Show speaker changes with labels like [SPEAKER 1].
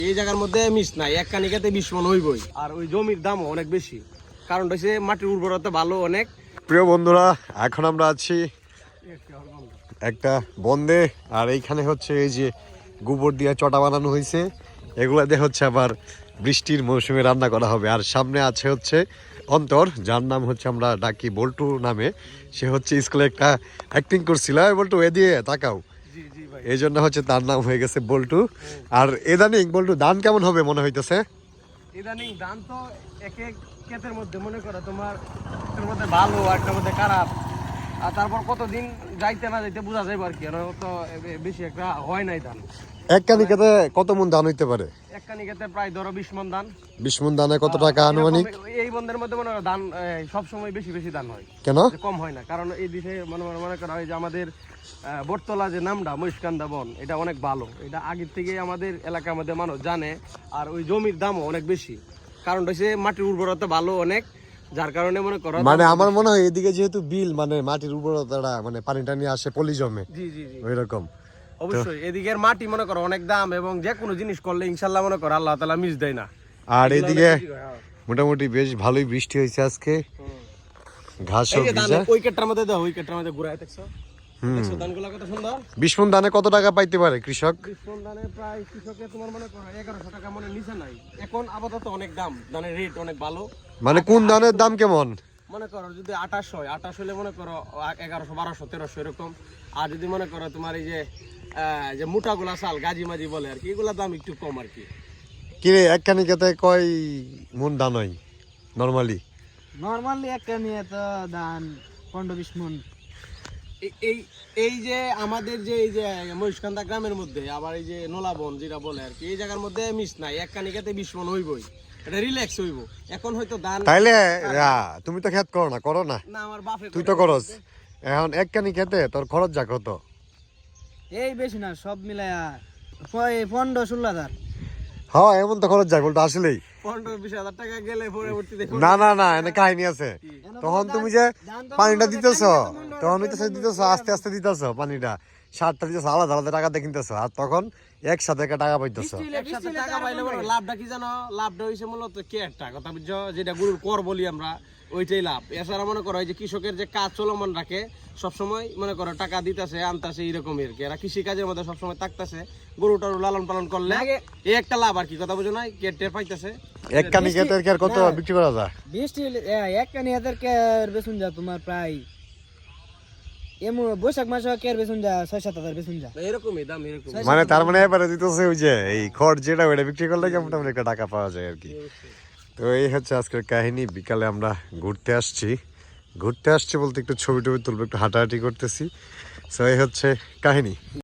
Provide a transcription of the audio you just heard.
[SPEAKER 1] এই জায়গার মধ্যে মিস নাই, এক কানিকাতে 20 মন হইবই। আর ওই জমির দামও অনেক বেশি, কারণ হচ্ছে মাটির উর্বরতা ভালো অনেক।
[SPEAKER 2] প্রিয় বন্ধুরা, এখন আমরা আছি একটা বন্দে, আর এইখানে হচ্ছে এই যে গোবর দিয়ে চটা বানানো হয়েছে, এগুলা দিয়ে হচ্ছে আবার বৃষ্টির মৌসুমে রান্না করা হবে। আর সামনে আছে হচ্ছে অন্তর, যার নাম হচ্ছে আমরা ডাকি বল্টু নামে। সে হচ্ছে স্কুলে একটা অ্যাক্টিং করছিল, বল্টু এ দিয়ে তাকাও, এই জন্য হচ্ছে তার নাম হয়ে গেছে বল্টু। আর ইদানিং বল্টু ধান কেমন হবে মনে হইতেছে?
[SPEAKER 1] ইদানিং ধান তো এক এক ক্ষেতের মধ্যে মনে করো তোমার একটার মধ্যে ভালো আর একটার মধ্যে খারাপ, আর তারপর কতদিন যাইতে না যাইতে বোঝা যাবে আর কি। তো বেশি একটা হয় নাই ধান।
[SPEAKER 2] এক কানিকাতে কত মন ধান হইতে পারে?
[SPEAKER 1] এক কানিকাতে প্রায় ধরো 20 মন ধান।
[SPEAKER 2] 20 মন ধানে কত টাকা আনুমানিক?
[SPEAKER 1] এই বন্ধের মধ্যে মনে করো ধান সবসময় বেশি বেশি ধান হয়।
[SPEAKER 2] কেন
[SPEAKER 1] কম হয় না? কারণ এই দিকে মনে করা হয় যে আমাদের বটতলা যে নামটা মহিষকান্দা বন, এটা অনেক ভালো। এটা আগের থেকে আমাদের এলাকার মধ্যে মানুষ জানে। আর ওই জমির দামও অনেক বেশি, কারণ হচ্ছে মাটির উর্বরতা ভালো অনেক, যার কারণে মনে করো
[SPEAKER 2] মানে আমার মনে হয় এদিকে যেহেতু বিল মানে মাটির উর্বরতাটা মানে পানিটা নিয়ে আসে পলি জমে।
[SPEAKER 1] জি জি জি,
[SPEAKER 2] ওই রকম
[SPEAKER 1] অবশ্যই এদিকের মাটি মনে করো অনেক দাম, এবং যে কোনো জিনিস করলে ইনশাল্লাহ মনে করো আল্লাহ তাআলা মিস দেয় না।
[SPEAKER 2] আর এদিকে মোটামুটি বেশ ভালোই বৃষ্টি হয়েছে আজকে, ঘাস সব ভিজা।
[SPEAKER 1] ওই কেটটার মধ্যে দাও, ওই কেটটার মধ্যে ঘুরায় দেখছো, দেখছো ধানগুলো কত সুন্দর।
[SPEAKER 2] 20 মন ধানে কত টাকা পাইতে পারে কৃষক?
[SPEAKER 1] 20 মন ধানে প্রায় কৃষকের তোমার মনে করো 1100 টাকা মনে নিচে নাই। এখন আপাতত অনেক দাম, ধানের রেট অনেক ভালো।
[SPEAKER 2] মানে কোন ধানের দাম কেমন?
[SPEAKER 1] মনে করো যদি 28 হয়, 28 হলে মনে করো 1100 1200 1300 এরকম। আর যদি মনে করো তোমার এই যে মোটাগুলা চাল গাজি মাজি বলে আর কি, এগুলা দাম একটু কম আর কি।
[SPEAKER 2] কিরে এক কানিকাতে কয় মন ধান হয় নরমালি?
[SPEAKER 3] নরমালি একটা নিয়ে তো ধান 15-20 মন।
[SPEAKER 1] এই এই যে আমাদের যে এই যে মহিষকান্দা গ্রামের মধ্যে আবার এই যে নোলাবন যেটা বলে আর কি, এই জায়গার মধ্যে মিস নাই, এক কানিকাতে 20 মন হইবই। এটা রিল্যাক্স হইব। এখন হয়তো ধান
[SPEAKER 2] তাইলে তুমি তো খেত করো না? করো না?
[SPEAKER 1] না, আমার বাপে
[SPEAKER 2] তুই তো করস। এখন এক কানিকাতে তোর খরচ যা কত?
[SPEAKER 3] এই বেশি না, সব মিলায়া 15-16 হাজার।
[SPEAKER 2] হ্যাঁ এমন তো খরচ যায় বলতো আসলেই।
[SPEAKER 1] 15-20 হাজার টাকা গেলে পরবর্তীতে
[SPEAKER 2] না না না, এনে কাহিনী আছে। তখন তুমি যে পানিটা দিতেছ, তখন দিতেছ আস্তে আস্তে দিতেছ পানিটা, সারটা দিতেছ আলাদা আলাদা টাকা দিয়ে কিনতেছ, আর তখন একসাথে একটা টাকা পাইতেছ।
[SPEAKER 1] একসাথে টাকা পাইলে বড় লাভটা কি জানো? লাভটা হইছে মূলত কেয়ারটা, কথা বুঝছো, যেটা গরুর কর বলি আমরা, ওইটাই লাভ। এছাড়া মনে করো যে কৃষকের যে কাজ চলমান রাখে সবসময়, মনে করো টাকা দিতেছে আনতেছে এইরকম আর কি। এরা কৃষি কাজের মধ্যে সবসময় থাকতেছে, গরুটার লালন পালন করলে এই একটা লাভ আর কি, কথা বুঝো না? কেয়ার পাইতেছে।
[SPEAKER 2] এক কানিকাতে আর কত বিক্রি করা যায়?
[SPEAKER 3] 20 একটা নিয়ে হাজার কে বেচুন যা তোমার প্রায় বৈশাখ মাসে কেয়ার বেচুন যা 6-7 হাজার বেচুন যা,
[SPEAKER 1] এরকমই দাম এরকম।
[SPEAKER 2] মানে তার মানে এবারে দিতেছে ওই যে এই খড় যেটা ওইটা বিক্রি করলে মোটামুটি একটা টাকা পাওয়া যায় আর কি। তো এই হচ্ছে আজকের কাহিনী। বিকালে আমরা ঘুরতে আসছি বলতে একটু ছবি টবি তুলবো, একটু হাঁটাহাঁটি করতেছি। সো এই হচ্ছে কাহিনী।